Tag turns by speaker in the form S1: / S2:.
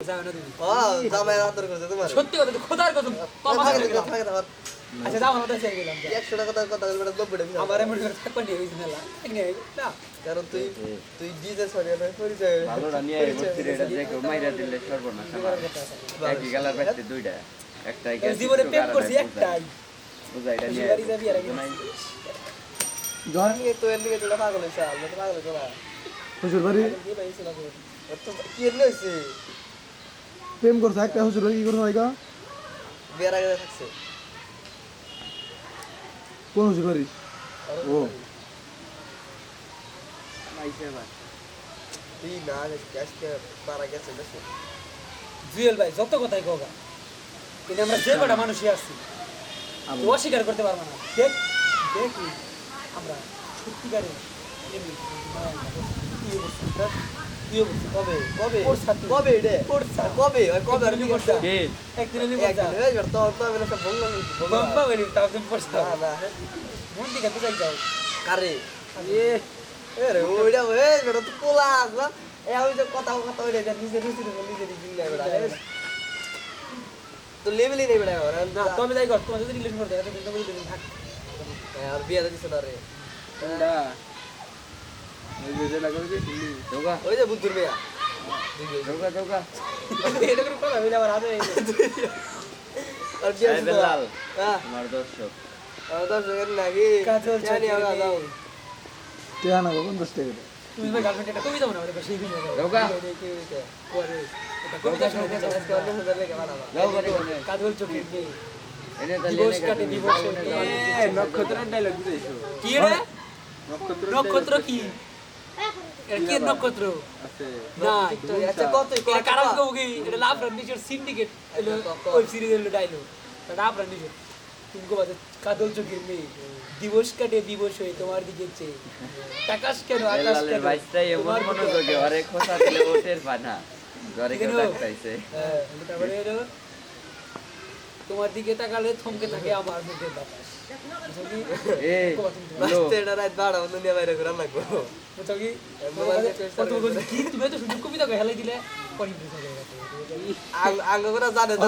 S1: যাও না তুমি
S2: জামাই আদর করছে তোমার
S1: সত্যি কথা তো খোদার কসম কমা
S2: থাকে
S1: করে
S2: থাকে থাকে
S1: আচ্ছা যাও আমরা তাই গেলাম
S2: 100 টাকা কথা বলবে 90 টাকা
S1: আমারে মনে করে থাকবা নিয়ে হইছে মেলা ঠিক নেই না
S2: কারণ তুই ডিজে সরিয়ে পরিচয়
S3: ভালো রানিয়া বসছি রে এটা দেখো মাইরা দিলে সর্বনাশ আমার একই কালার পাইতে দুইটা একটাই গেছে
S1: জীবনে প্রেম করছি একটাই
S3: বুঝাই এটা নিয়ে
S1: বাড়ি যাবি আর আগে
S2: জন নিয়ে তো এর লিগে তোরা পাগল হইছে আমি তো পাগল হইছে না
S4: শ্বশুর বাড়ি
S1: কি পাইছিল না
S2: তো কি এর হইছে
S4: প্রেম করছে একটা শ্বশুর বাড়ি কি করছে ভাইকা
S2: বিয়ার আগে থাকছে
S4: কোন শ্বশুর বাড়ি ও
S3: আইছে ভাই
S2: তুই না আজকে পারা গেছে দেখো
S1: জুয়েল ভাই যত কথাই কওগা কিন্তু আমরা যে কটা মানুষই আছি তো অস্বীকার করতে পারবো না দেখ দেখ আমরা সত্যিকারে এমনি
S2: কবে কবে
S1: ওর সাথে।
S2: কবে রে
S1: ওর সাথে।
S2: কবে ওই কবে আর কি
S1: একদিনই
S2: করছে
S3: কে
S1: একদিন আমি
S2: একদিন এই বের তো তো আমি সব বললাম
S1: বাম্পা বলি তাও তুমি পড়ছ
S2: না না
S1: মন দিকে তো যাই যাও
S2: কারে এ রে ওইটা এই বেটা তো কোলা আসবা এই আমি যে কথা কথা ওইটা যে নিজে রুচি নিজে দিল না বেটা তো লেভেলই নেই বেটা আর
S1: না তুমি যাই কর তোমার যদি রিলেশন করতে এটা কিন্তু বলি তুমি থাক
S2: আর বিয়ে দিছ না রে
S3: না এই যে লাগা কইছি দোগা
S2: ওই যে বুদ্ধুর মেয়া
S3: দোগা দোগা
S1: এটা করে কথা বলে আবার আদে
S2: আর বিয়ে
S3: এই বেলাল
S2: হ্যাঁ
S3: আমার দর্শক
S2: আর তো সেখান নাকি
S1: কাজল
S2: জানি আমরা যাও
S4: টেয়া না 50 টাকা
S1: তুমি ভাই গার্লফ্রেন্ড এটা কবি দাও না ওটা সেই ভিডিও দাও
S3: দোগা
S2: করে
S1: এটা কবিতা শুনে
S2: আজকে অন্য হাজার লেগে বানাবা
S3: যাও করে কোনে
S1: কাজল চোখে
S3: এনে তাহলে
S1: দিবস কাটে দিবস
S3: নক্ষত্রের ডায়লগ দিতেছো
S1: কি রে নক্ষত্র কি এটা কি নক্ষত্র
S3: আছে
S1: না
S2: আচ্ছা কত
S1: এটা কারণ কি এটা লাভ রানিজর সিন্ডিকেট ওয়েব সিরিজের ডায়লগ এটা লাভ রানিজর तुमको बात कादल चोखের মেয়ে দিবস কাটে দিবস হয়ে তোমার দিকে চেয়ে আকাশ কেন আকাশ
S3: বেলালের
S1: কেন
S3: ভাইটাই এমন মনোযোগে আরে কথা দিলে ওঠের পানা ঘরে কেউ ডাকতাইছে
S1: হ্যাঁ তারপরে এলো তোমার দিকে তাকালে থমকে থাকে আমার মুখের বাতাস
S3: এ
S2: বাস্তে এটা রাত 12 অন্য নিয়ে বাইরে ঘুরা লাগবো
S1: বুঝছো কি কি তুমি তো শুধু কবিতা হেলাই দিলে পরিবেশ হয়ে গেছে
S2: আঙ্গ করে জানে